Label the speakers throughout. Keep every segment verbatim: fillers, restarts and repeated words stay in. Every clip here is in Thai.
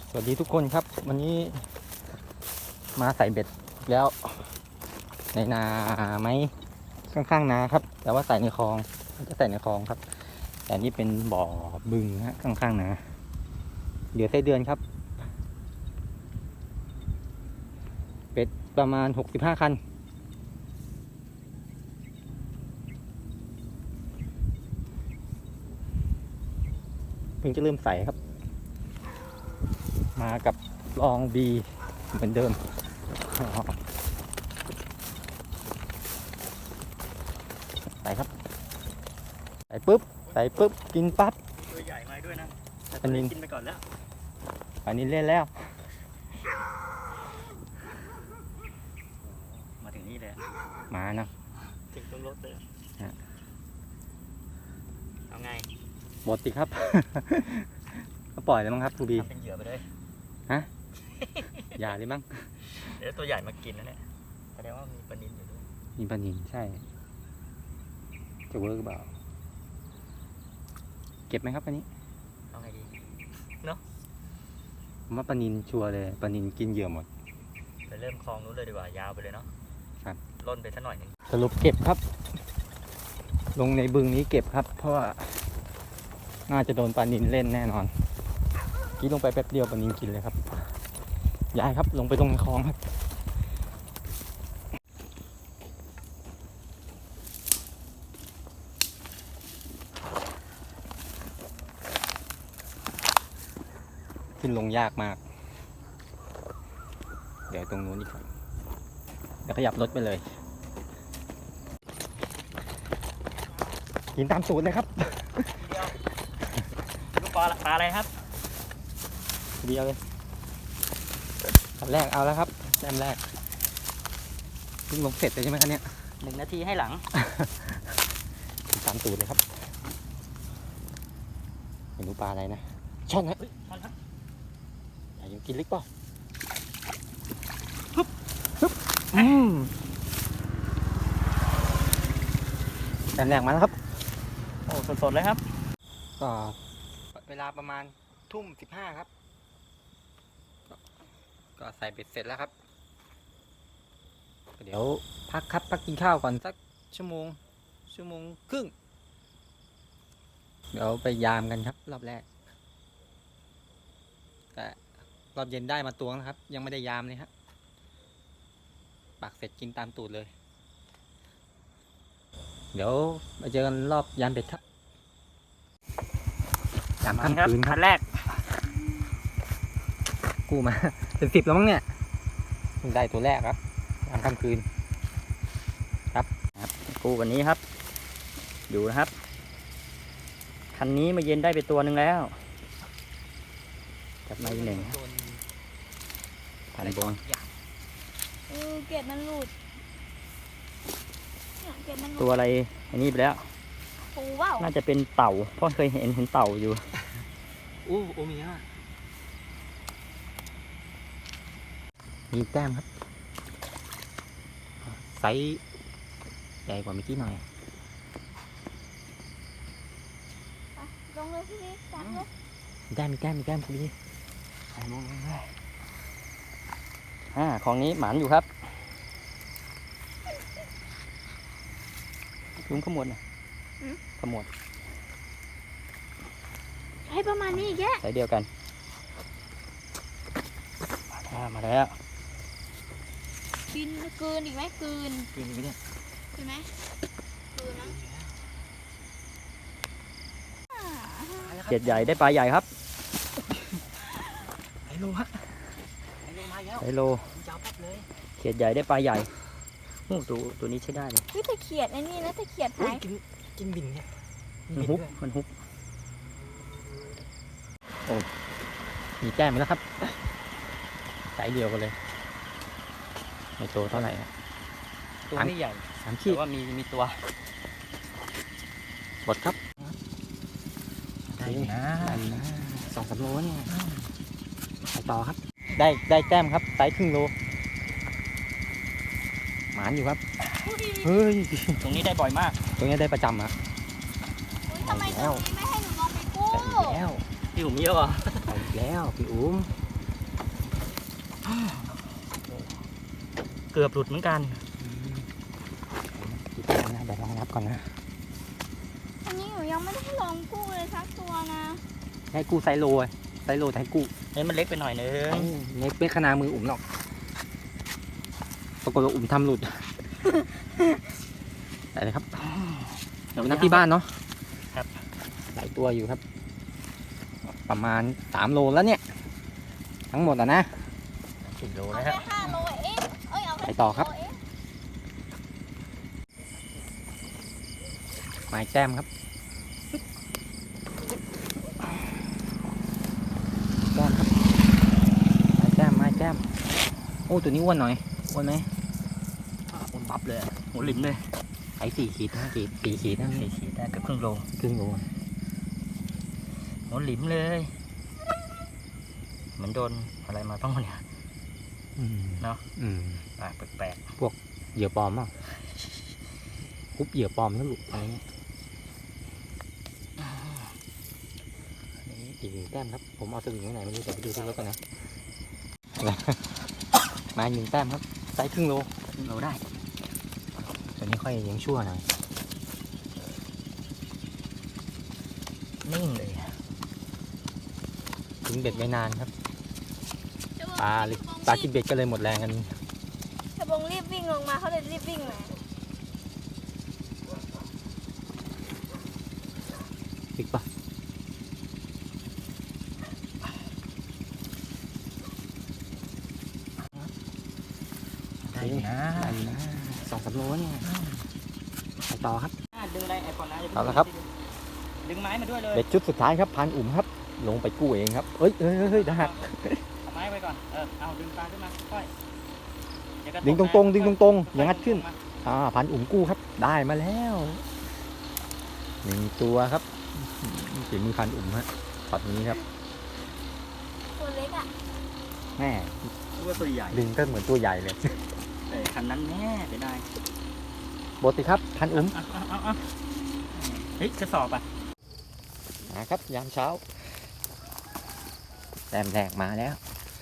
Speaker 1: สวัสดีทุกคนครับวันนี้มาใส่เบ็ดแล้วในนาไหมข้างๆนาครับแต่ว่าใส่ในคลองจะใส่ในคลองครับแต่นี่เป็นบ่อบึงฮะข้างๆนาเดี๋ยวไส้เดือนครับเป็ดประมาณหกสิบห้าคันเพิ่งจะเริ่มใส่ครับมากับลองบีเหมือนเดิมใส่ครับใส่ปุ๊บใส่ปุ๊บกินปั๊บ
Speaker 2: ตัวใหญ่มาด้วยนะ
Speaker 1: อันนี้
Speaker 2: กินไปก่อนแล้ว
Speaker 1: อันนี้เล่นแล้ว
Speaker 2: มาถึงนี่เลย
Speaker 1: มานะ
Speaker 2: ถึงตรงรถเลยเอาไง
Speaker 1: หมดสิครับก็ปล่อยเลยมั้งครับทูบี
Speaker 2: เป็นเหยื่อไปเลย
Speaker 1: ฮะอย่าเลยมั้ง
Speaker 2: เดี๋ยวตัวใหญ่มากินนะเนี่ยแสดงว่ามีปลานิลอยู่ด้วย
Speaker 1: มีปลานิลใช่จะเวิร์กเปล่าเก็บไหมครับอันนี้
Speaker 2: เอาไงดีเนาะ
Speaker 1: ผมว่าปลานิลชัวร์เลยปลานิลกินเหยื่อหมด
Speaker 2: ไปเริ่มคลองนู้นเลยดีกว่ายาวไปเลยเนาะ
Speaker 1: ครับ
Speaker 2: ล่นไปสักหน่อยนึง
Speaker 1: สรุปเก็บครับลงในบึงนี้เก็บครับเพราะว่าน่าจะโดนปลานิลเล่นแน่นอนกี้ลงไปแป๊บเดียวปลานิลกินเลยครับย้ายครับลงไปตรงในคลองครับขึ้นลงยากมากเดี๋ยวตรงนู้นอีกครับเดี๋ยวขยับรถไปเลยกินตามสูตรเลยครับ
Speaker 2: เดียวลูกปลาปลาอะไรครับ
Speaker 1: เดียวเลยอันแรกเอาแล้วครับแต้มแรกเพิ่งลงเสร็จเลยใช่ไหมครับเนี่ย
Speaker 2: หนึ่งนาทีให้หลัง
Speaker 1: ตามสูตรเลยครับเมนูปลาอะไรนะช่อนนะ
Speaker 2: ช่อนครับ
Speaker 1: อย่ายังกินเล็กเปล่าฮึบฮึบอืมแต้มแรกมาแล้วครับ
Speaker 2: โอ้สดๆเลยครับ
Speaker 1: ก็เวลาประมาณทุ่มสิบห้าครับก็ใส่เบ็ดเสร็จแล้วครับเดี๋ยวพักครับพักกินข้าวก่อนสักชั่วโมงชั่วโมงครึ่งเดี๋ยวไปยามกันครับรอบแรกแต่รอบเย็นได้มาตวงนะครับยังไม่ได้ยามเลยฮะปักเสร็จกินตามตูดเลยเดี๋ยวมาเจอกันรอบยามเบ็ดครับยามค่ำคืนครับ
Speaker 2: แรก
Speaker 1: กูมาเป็นสิบแล้วมั้งเนี่ยได้ตัวแรกครับยามค่ำคืนครับ
Speaker 2: กูวันนี้ครับดูนะครับคันนี้มาเย็นได้ไปตัวหนึ่งแล้วจับมาอีกหนึ่งผ่านบง
Speaker 3: เออเกล็ดมันหลุดเกล็ดมันหลุด
Speaker 2: ตัวอะไรอันนี้ไปแล้ว
Speaker 3: ปูว้าว
Speaker 2: น่าจะเป็นเต่าเพราะเคยเห็นเห็นเต่าอยู่
Speaker 1: อู้โอมีฮะมีแต้มครับไซส์ใหญ่กว่าเมื่อกี้หน่อย
Speaker 3: ลงเลยพี่นี่จับเลย
Speaker 1: มีแต้มมีแต้มมีแต้มคุณพี่ใส่ลงเลย
Speaker 2: อ่าของนี้หมานอยู่ครับลุงขมวดนะขมวด
Speaker 3: ใช้ประมาณนี้แก
Speaker 2: ใส่เดียวกันมาแล้ว
Speaker 3: กินเกินอีกไหมเกิน
Speaker 1: กินอีกไหมเนี่ย
Speaker 3: ใช่ไหมเกินนะ
Speaker 2: เจ็ดใหญ่ได้ปลาใหญ่ครับ
Speaker 1: ไฮโลฮะ
Speaker 2: ไฮโลมาแล้วไฮโลเจ็ดใหญ่ได้ปลาใหญ่โอ้ตัวตัวนี้ใช้ได้เลย
Speaker 3: วิธีเขียดไอ้นี่นะถ้าเขียดหาย
Speaker 1: กินกินบินเนี่ย
Speaker 2: มันฮุบมันฮุบ
Speaker 1: โอ้มีแต้มแล้วครับสายเดียวกันเลยไม่โตเท่าไหร่
Speaker 2: ตัวไม่ใหญ่
Speaker 1: สามขีด
Speaker 2: แต่ว่ามีมีตัว
Speaker 1: หมดครับได้นะสองสามโลเนี่ยไปต่อครับได้ได้แต้มครับไซส์ครึ่งโลหมานอยู่ครับเฮ้ย
Speaker 2: ตรงนี้ได้บ่อยมาก
Speaker 1: ตรงนี้ได้ประจำอะ
Speaker 3: ทำไมตรงนี้ไม่ให้หนูลองไปกู้
Speaker 1: แล้ว
Speaker 2: พี่ผมเยอะอ่ะ
Speaker 1: ไปแล้วพี่อุ้ม
Speaker 2: เกือบหลุดเหมือนกัน
Speaker 1: กี่ตัวนะเดี๋ยวลองนับก่อนนะ
Speaker 3: อันนี้หนูยังไม่ได้ลองกู้เลยสักตัวนะ
Speaker 1: ให้กู้ไซโลไงไซโลแต่ให้กู้
Speaker 2: เอ้ยมันเล็กไปหน่อยนึง
Speaker 1: เน็กเป็นขนามืออุ่มหรอกปรากฏว่าอุ่มทำหลุดได้เลยครับเดี๋ยวไปนับที่บ้านเนาะ
Speaker 2: ครับ
Speaker 1: หลายตัวอยู่ครับ ประมาณสามโลแล้วเนี่ย ทั้งหมดอ่ะนะ
Speaker 2: สิบโล
Speaker 3: เอา
Speaker 2: นะ
Speaker 3: แค่
Speaker 2: ฮะ
Speaker 3: ห้าโลเองเอ้ยเอาแค่
Speaker 1: ไปต่อครับ
Speaker 3: โลเง
Speaker 1: ไม้แต้มครับแต้มครับไม้แต้มไม้แต้มโอ้ตัวนี้อ้วนหน่อยอ้วนไหม
Speaker 2: อุ่นบับเลยอะหัวหลิมเลย
Speaker 1: ไอ้สี่ขีดห้าขีดสี่ขีดนะ
Speaker 2: สี่ขีดได้เกือบครึ่งโล
Speaker 1: ครึ่งโล
Speaker 2: หัวหลิมเลย เหมือนโดนอะไรมาต้องเนี่ย
Speaker 1: อืม
Speaker 2: เนาะ
Speaker 1: อืม
Speaker 2: ปากแปลก
Speaker 1: เหยื่อปลอมเปล่าคุบเหยื่อปลอมนะลูกอะไรเงี้ยอันนี้อีกหนึ่งแต้มครับ ผมเอาสวิงไว้ไหนไม่รู้เดี๋ยวไปดูที่รถกันนะ มาอีกหนึ่งแต้มครับไซส์ครึ่งโล
Speaker 2: ๆครึ่งโลได้
Speaker 1: ตัวนี้ค่อยยังชั่วหน่อย
Speaker 2: นิ่งเลยอะ
Speaker 1: ทิ้งเบ็ดไว้นานครับ
Speaker 3: ชะบง
Speaker 1: ปลาเลยปลากินเบ็ดก็เลยหมดแรงกัน
Speaker 3: ชะบงรีบวิ่งลงมาเขาเลยรีบวิ่งมา
Speaker 1: ปิกปะ
Speaker 2: ได้อยู่นะ
Speaker 1: ได้อยู่นะสองสามโลเนี่ยไปต่อครับ
Speaker 2: ดึงอะไรไอ้ก่อนนะ
Speaker 1: เอาละครับ
Speaker 2: ดึงไม้มาด้วยเลย
Speaker 1: เบ็ดชุดสุดท้ายครับพันอุ่มครับ ลงไปกู้เองครับเอ้ยเอ้ยเอ้ยเฮ้ยได้หัก
Speaker 2: เอาไม้ไว้ก่อน เออ เอาดึงปลาขึ้นมา ค่อยเยวกะ
Speaker 1: ดึงต
Speaker 2: ก
Speaker 1: รงๆ
Speaker 2: นะ
Speaker 1: ดึงตรงๆ
Speaker 2: ค่
Speaker 1: อย่างงัดขึ้น
Speaker 2: ลมา
Speaker 1: อ่าพันอุ่มกู้ครับ ได้มาแล้วหนึ่งตัวครับฝีมือพันอุ่มฮะตอนนี้ครับ
Speaker 3: ตัวเล็กอ่ะ
Speaker 1: แม่
Speaker 2: ดูว่าตัวใหญ่
Speaker 1: ดึงก็เหมือนตัวใหญ่เลย
Speaker 2: แต่คันนั้นแน่เสียดาย
Speaker 1: บทสิครับพันอุ่ม
Speaker 2: เอาเอาเอาเอาเฮ้ยกระสอบอ่ะ
Speaker 1: นะครับยามเช้าแต้มแรกมาแล้ว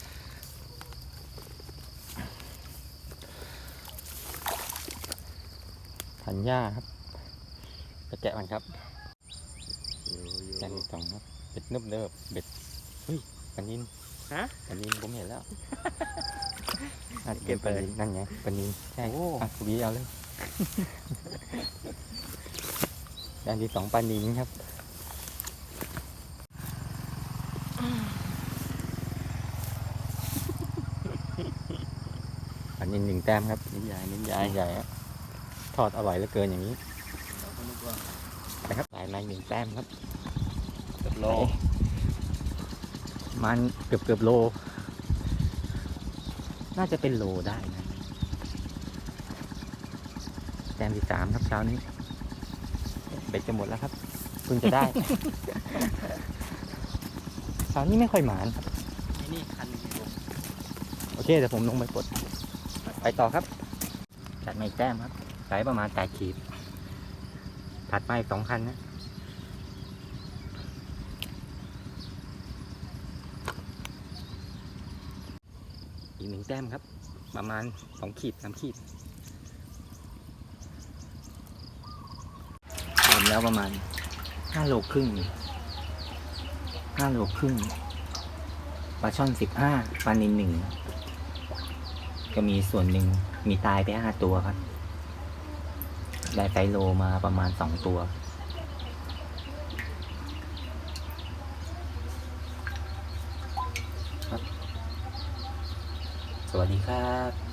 Speaker 1: พันหญ้าครับไปแกะมันครับแกะที่สองครับเบ็ดนึบเนิบเบ็ดเฮ้ยปันยิน
Speaker 2: ฮะ
Speaker 1: ปันยินผมเห็นแล้วน่าจะเป็นปันยินนั่นไงปันยินใช่อ่ะวีเอาเลย ด้านที่สองปันยินครับปันยินหนึ่งแต้มครับ
Speaker 2: นิ้นใหญ่นิ้นให
Speaker 1: ให
Speaker 2: ญ่
Speaker 1: ญ่ใหญ่อะทอดอร่อยเหลือเกินอย่างนี้นะครับได้มาหนึ่งแต้มครับ
Speaker 2: เกือบโล
Speaker 1: มันเกือบเกือบโล น่าจะเป็นโลได้นะแต้มที่สามครับเช้านี้ เบ็ดจะหมดแล้วครับเพิ่งจะได้ เช้านี้ไม่ค่อยหมานครับ
Speaker 2: นี่นี่คันอยู่
Speaker 1: โอเคเดี๋ยวผมลงไปปลดไปต่อครับจัดมาอีกแต้มครับไซส์ประมาณแปดขีดถัดมาอีกสองคันนะอีกหนึ่งแต้มครับ ประมาณสองขีดสามขีดรวมแล้วประมาณห้าโลครึ่งห้าโลครึ่งปลาช่อนสิบห้าปลานิลหนึ่งก็มีส่วนหนึ่งมีตายไปห้าตัวครับ ได้ไซโลมาประมาณสองตัว ครับ สวัสดีครับ